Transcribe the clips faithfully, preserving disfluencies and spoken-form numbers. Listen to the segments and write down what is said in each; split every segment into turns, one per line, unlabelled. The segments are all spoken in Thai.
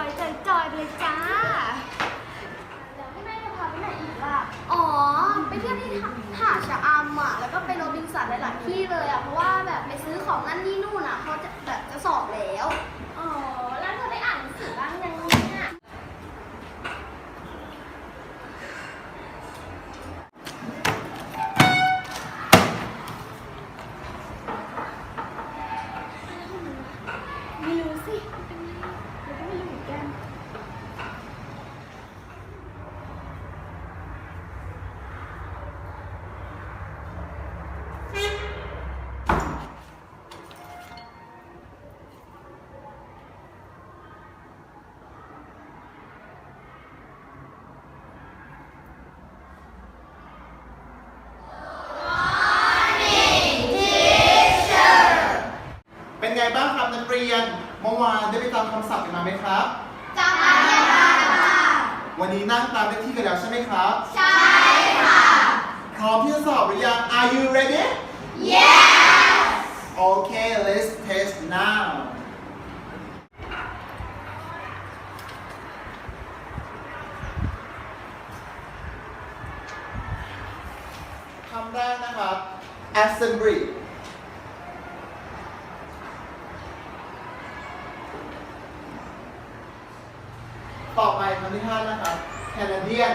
จอยๆไปเลยจ้าแล้วพี่แม่จะพาไปไหนอีกล่ะอ๋อไปเที่ยวที่หาดชะอำอ่ะแล้วก็ไปโรบินสันหลายๆที่เลยอ่ะเพราะว่าแบบไปซื้อของนั่นนี่นู่นอ่ะเขาจะแบบจะสอบแล้วอ๋อแล้วเธอได้อ่านหนังสือบ้างยังเนี่ยไม่รู้สิเป็นไงเราก็ไม่รู้เหมือนกัน
เป็นไงบ้างครับนักเรียนเมื่อวานได้ไปตามคำศัพท์กันมาไหมครับ
จำได้ค่ะ
วันนี้นั่งตามเลขที่กันแล้วใช่ไหมครับ
ใช่ค่ะ
พร้อมที่จะสอบหรือยัง Are you ready
Yes
Okay let's test now คำแรกนะครับ assembly ต่อไปคำที่ห้านะครับ Canadian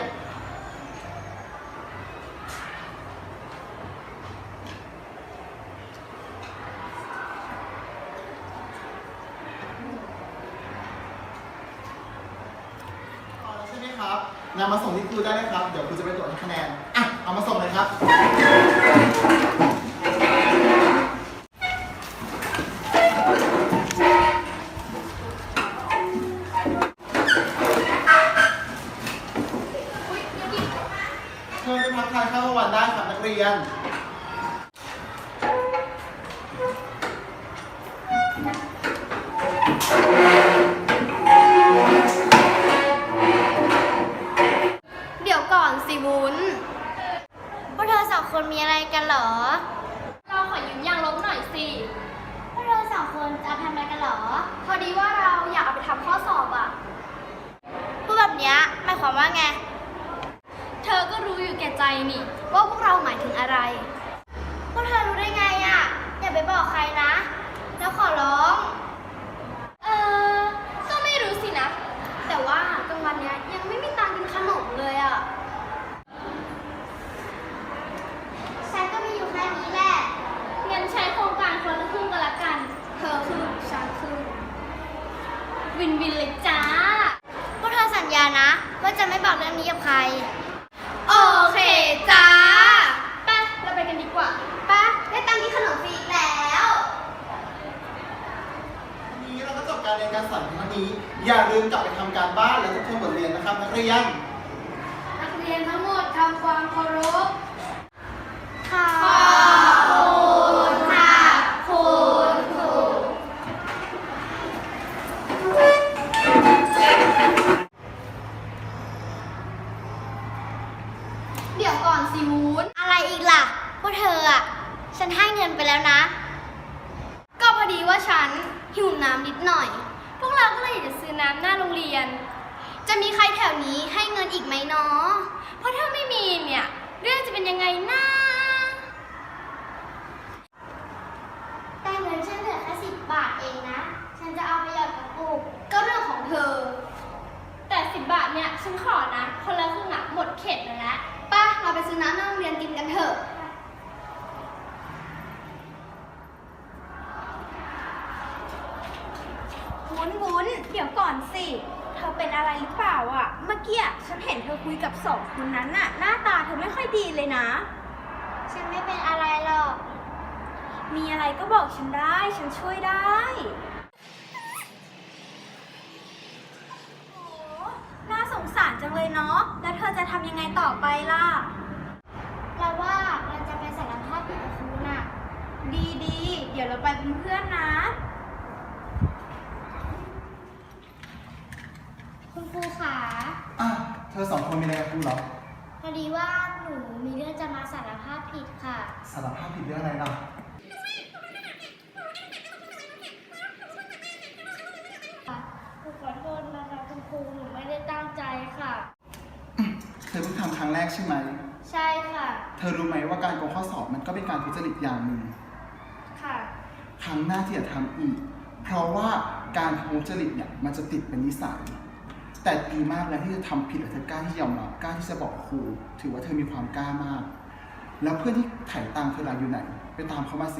พอแล้วใช่ไหมครับนำมาส่งที่ครูได้นะครับ เดี๋ยวครูจะไปตรวจคะแนน อ่ะ เอามาส่งเลยครับ เชิญไปพักทานข้าวกลางวันได้ครับนักเรียน
เดี๋ยวก่อนสิวุ้นพวกเธอสองคนมีอะไรกันเหรอเราขอยืมยางลบหน่อยสิพวกเธอสองคนจะทำอะไรกันเหรอพอดีว่าเราอยากเอาไปทำข้อสอบอ่ะพูดแบบนี้หมายความว่าไงเธอก็รู้อยู่แก่ใจนี่ว่าพวกเราหมายถึงอะไรพวกเธอรู้ได้ไงอ่ะอย่าไปบอกใครนะแล้วขอร้องเออก็ไม่รู้สินะแต่ว่ากลางวันเนี้ยยังไม่มีตังค์กินขนมเลยอ่ะฉันก็มีอยู่แค่นี้แหละงั้นใช้โครงการคนละครึ่งก็แล้วกันเธอครึ่งฉันครึ่งวินวินเลยจ้าพวกเธอสัญญานะว่าจะไม่บอกเรื่องนี้กับใครโอเคจ้าไปเราไปกันดีกว่าไปได้ตังค์กินขนมฟรีอีกแล้ว
วันนี้เราก็จบการเรียนการสอนเพียงเท่านี้ อย่าลืมกลับไปทำการบ้านและทบทวนบทเรียนนะครับนักเรียน
นักเรียนทั้งหมดทำความเคารพขอบคุณค่ะคุณครูเดี๋ยวก่อนสิวุ้นอะไรอีกล่ะพวกเธออ่ะฉันให้เงินไปแล้วนะก็พอดีว่าฉันหิวน้ำนิดหน่อยพวกเราก็เลยอยากจะซื้อน้ำหน้าโรงเรียนจะมีใครแถวนี้ให้เงินอีกไหมเนาะเพราะถ้าไม่มีเนี่ยเรื่องจะเป็นยังไงนะแต่เงินฉันเหลือแค่สิบบาทเองนะฉันจะเอาไปหยอดกระปุกก็เรื่องของเธอแต่สิบบาทเนี่ยฉันขอนะคนละครึ่งอ่ะหมดเข็ดเลยนะป้าเราไปซื้อน้ำหน้าโรงเรียนกินกันเถอะ
วุ้นวุ้นเดี๋ยวก่อนสิ เธอเป็นอะไรหรือเปล่าอ่ะ เมื่อกี้ฉันเห็นเธอคุยกับสองคนนั้นน่ะ หน้าตาเธอไม่ค่อยดีเลยนะ
ฉันไม่เป็นอะไรหรอก
มีอะไรก็บอกฉันได้ ฉันช่วยได้โอ้น่าสงสารจังเลยเนาะ แล้วเธอจะทำยังไงต่อไปล่ะ
เราว่าเราจะไปสารภาพผิดกับครูน่ะ
ดีดีเดี๋ยวเราไปเป็นเพื่อนนะ
คุณครูขา
อ่ะ เธอสองคนมีอะไรกับครูเหรอ
พอดีว่าหนูมีเรื่องจะมาสารภาพผิดค่ะ
สารภาพผิดเรื่องอะไรล่ะ
หนูขอโทษนะคะค
อเพิ่งทำครั้งแรกใช่ไหม
ใช่ค่ะ
เธอรู้ไหมว่าการโกงข้อสอบมันก็เป็นการทุจริตอย่างหนึ่ง
ค่ะ
ครั้งหน้าที่จะทำอีก เพราะว่าการทุจริตเนี่ยมันจะติดเป็นนิสัย แต่ดีมากแล้วที่จะทำผิดแล้วเธอกล้าที่ยอมรับกล้าที่จะบอกครูถือว่าเธอมีความกล้ามาก แล้วเพื่อนที่ถ่ายตังค์เธอล่ะอยู่ไหน ไปตามเขามาสิ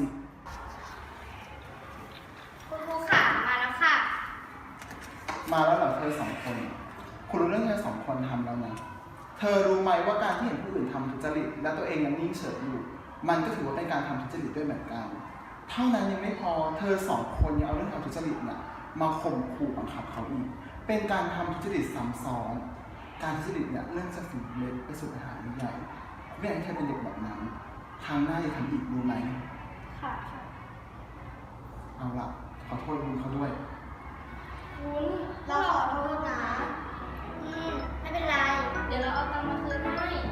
คุณครูค่ะมาแล้วค่ะ
มาแล้วเหรอเธอสองคน คุณรู้เรื่องเธอสองคนทำแล้วนะ เธอรู้ไหมว่าการที่เห็นผู้อื่นทำทุจริตและตัวเองยังนิ่งเฉยอยู่ มันก็ถือว่าเป็นการทำทุจริตด้วยเหมือนกัน เท่านั้นยังไม่พอ เธอสองคนยังเอาเรื่องทำทุจริตเนี่ยมาข่มขู่บังคับเขาอีก เป็นการทำทุจริตซ้ำซ้อน การทุจริตเนี่ยเรื่องจะถึงเล็กไปสู่ปัญหาใหญ่ไม่อยากให้เธอเป็นเด็กแบบนั้น ครั้งหน้าอย่าทำอีกรู้ไหม
ค่ะค่ะ
เอาล่ะ ขอโทษคุณเขาด้วย
วุ้นเราขอโทษนะ อืม ไม่เป็นไร เดี๋ยวเราเอาตังค์มาคืนให้